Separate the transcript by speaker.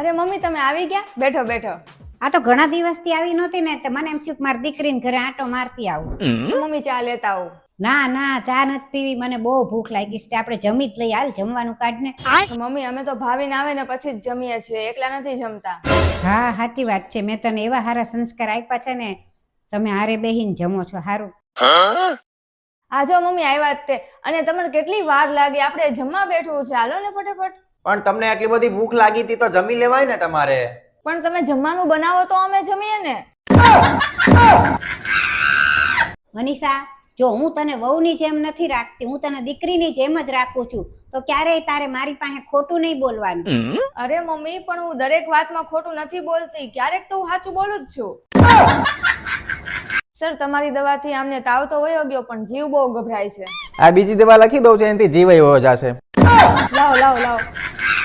Speaker 1: અરે મમ્મી તમે આવી ગયા? બેઠો બેઠો.
Speaker 2: આ તો ઘણા દિવસથી આવી નહોતી ને તો મને એમ થયું કે મારી દીકરીને ઘરે આંટો મારતી આવું.
Speaker 1: મમ્મી ચા લેતા આવું.
Speaker 2: ના ના ચા નથી પીવી, મને બહુ ભૂખ લાગી છે. આપણે જમી જ લઈ, હાલ જમવાનું કાઢ ને.
Speaker 1: મમ્મી અમે તો ભાવીને આવે ને પછી જ જમીએ છીએ, એકલા નથી જમતા.
Speaker 2: હા સાચી વાત છે, મેં તને એવા સારા સંસ્કાર આપ્યા છે ને, તમે હારે બેહીને જમો છો. સારું.
Speaker 1: આ જો મમ્મી આવ્યા જ તે, અને તમને કેટલી વાર લાગી, આપણે જમવા બેઠું છે, હાલો ને ફટાફટ.
Speaker 3: પણ તમને આટલી બધી ભૂખ લાગી હતી તો જમી લેવાય ને તમારે.
Speaker 1: પણ તમે જમવાનું બનાવો તો અમે જમીએ ને.
Speaker 2: મનીષા, જો હું તને વહુની જેમ નથી રાખતી, હું તને દીકરીની જેમ જ રાખું છું, તો ક્યારેય તારે મારી પાસે ખોટું નહીં બોલવાનું.
Speaker 1: અરે મમ્મી પણ હું દરેક વાતમાં ખોટું નથી બોલતી, ક્યારેક તો હું સાચું બોલું જ છું. સર તમારી દવાથી આમને તાવ તો વયો ગયો પણ જીવ બહુ ગભરાય છે.
Speaker 3: આ બીજી દવા લખી દઉં છે, એનાથી જીવ વયો જશે.
Speaker 1: લાવો લાવો લાવો.